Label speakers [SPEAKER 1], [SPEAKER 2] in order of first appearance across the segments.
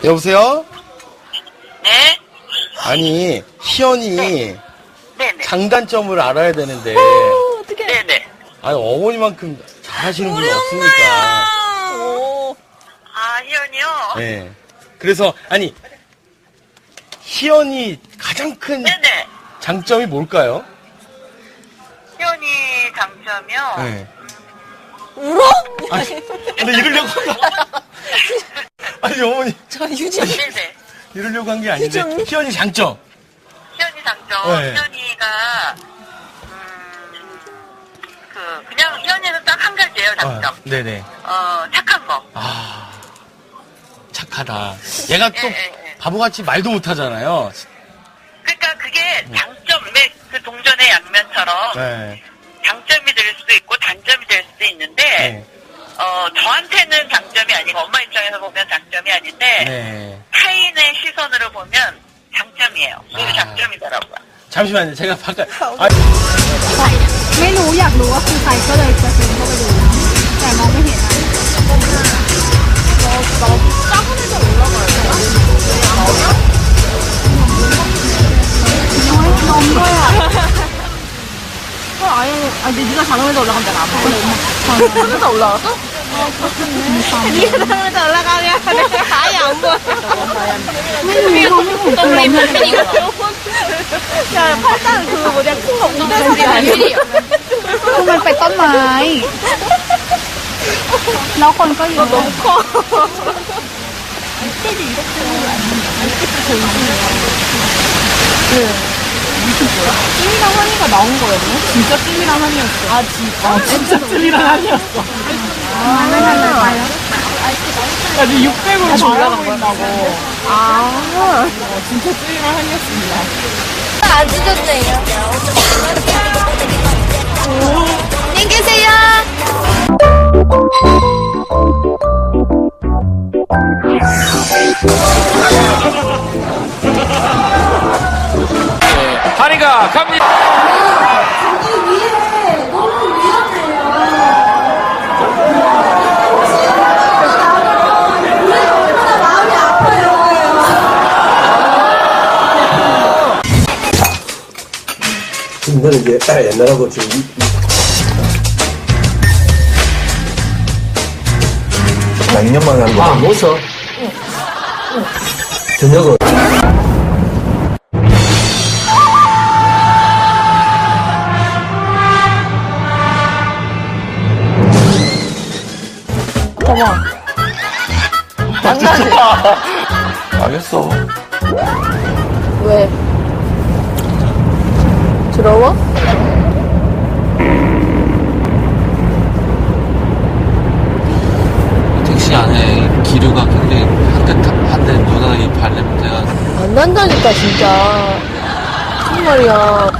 [SPEAKER 1] 여보세요?
[SPEAKER 2] 네?
[SPEAKER 1] 아니, 희연이
[SPEAKER 2] 네네.
[SPEAKER 1] 장단점을 알아야 되는데,
[SPEAKER 3] 어떡해.
[SPEAKER 2] 네네.
[SPEAKER 1] 아니, 어머니만큼 잘하시는 분이
[SPEAKER 3] 우리
[SPEAKER 1] 없으니까.
[SPEAKER 3] 오.
[SPEAKER 2] 아, 희연이요?
[SPEAKER 1] 네. 그래서, 아니, 희연이 가장 큰
[SPEAKER 2] 네네.
[SPEAKER 1] 장점이 뭘까요?
[SPEAKER 2] 희연이 장점이요?
[SPEAKER 1] 네.
[SPEAKER 3] 울어?
[SPEAKER 1] 아니, 근데 이러려고 한 거. 아니, 어머니,
[SPEAKER 3] 저 유진.
[SPEAKER 2] 네네.
[SPEAKER 1] 이러려고 한 게 아닌데,
[SPEAKER 3] 희연이?
[SPEAKER 1] 희연이 장점.
[SPEAKER 2] 희연이 장점.
[SPEAKER 1] 네.
[SPEAKER 2] 희연이가, 그냥 희연이는 딱 한 가지예요, 장점.
[SPEAKER 1] 네네.
[SPEAKER 2] 착한 거.
[SPEAKER 1] 아, 착하다. 얘가 또
[SPEAKER 2] 예, 예.
[SPEAKER 1] 바보같이 말도 못하잖아요.
[SPEAKER 2] 그러니까 그게 장점, 그 동전의 양면처럼
[SPEAKER 1] 네.
[SPEAKER 2] 장점이 될 수도 있고 단점이 될 수도 있는데,
[SPEAKER 1] 네.
[SPEAKER 2] 저한테는 장점이 아니고 엄마 입장에서 보면 장점이 아닌데,
[SPEAKER 1] 네.
[SPEAKER 2] 타인의 시선으로 보면 장점이에요. 그게
[SPEAKER 1] 아.
[SPEAKER 2] 장점이더라고요.
[SPEAKER 1] 잠시만요. 제가 바깥.
[SPEAKER 4] ไม่รู้อยากรู้ว่าคือใครก็เลยจะซูมเข้าไปดูแต่มองไม่เห็นอะน้องด้วยอ่ะ아니 네가 자동에서 올라가면 내가 안 보여. 자동에서 올라갔어? 네가 자동에서 올라가면 내가 아예 안 보여. 야, 팔짱 그 뭐냐 큰거 웅덩이 아니야? มันเป็นต้นไม้แล้วคนก็เยอะ 너무 커. 찜이랑 한이가 나온 거였네? 진짜 찜이랑 한이었어. 아, 진짜? 진짜 찜이랑 한이었어. 아, 왜 달라요?
[SPEAKER 3] 야, 니 600으로 잘하고 있다고.
[SPEAKER 4] 아,
[SPEAKER 3] 진짜 찜이랑 한이었습니다.
[SPEAKER 4] 안 찢었네요. 안녕히 계세요.
[SPEAKER 5] 한이가 갑니다.
[SPEAKER 6] 이거는 이제 옛날하고 지금 나 2년 만에 한 거. 아, 못 써. 저녁을.
[SPEAKER 5] 알겠어.
[SPEAKER 3] 왜? 더러워?
[SPEAKER 7] 택시 안에 기류가 굉장히 한데 누나 이 발냄새가
[SPEAKER 3] 안 난다니까, 진짜. 정말이야.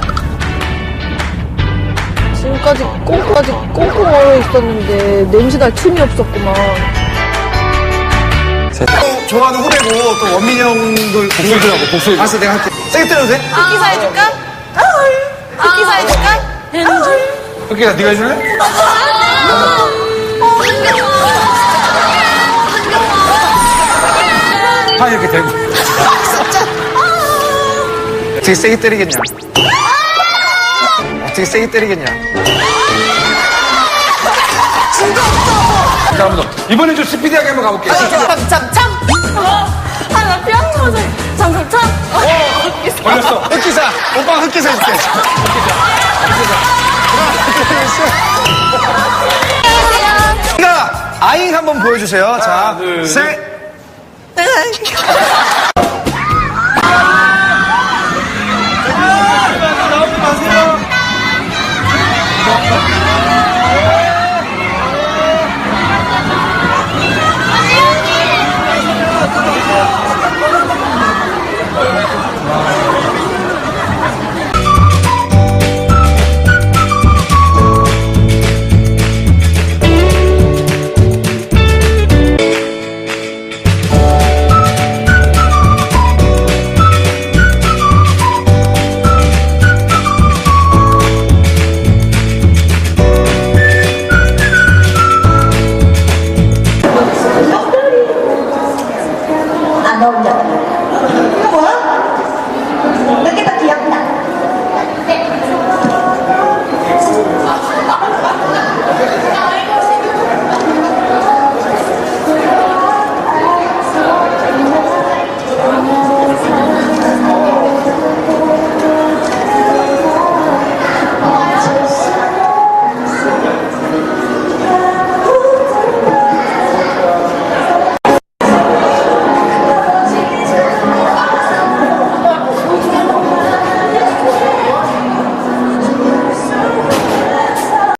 [SPEAKER 3] 지금까지 꽁꽁 얼어 있었는데, 냄새 날 틈이 없었구만.
[SPEAKER 8] 좋아하는 후배고 또 원민이 형도 목소리 들어고 목소리 알았어 내가 할게 세게 때려도 돼?
[SPEAKER 3] 흑기사 해줄까? 흑기사 해줄까?
[SPEAKER 8] 흑기사 네가 해줄래? 파 이렇게 대고 어떻게 세게 때리겠냐 어떻게 세게 때리겠냐 자, 한번 더. 이번엔 좀 스피디하게 한번 가볼게.
[SPEAKER 3] 참참! 나 피아노 참참참!
[SPEAKER 8] 걸렸어. 흑기사. 오빠가 흑기사 해줄게. 흑기사. 아잉 한번 보여주세요. 자, 셋.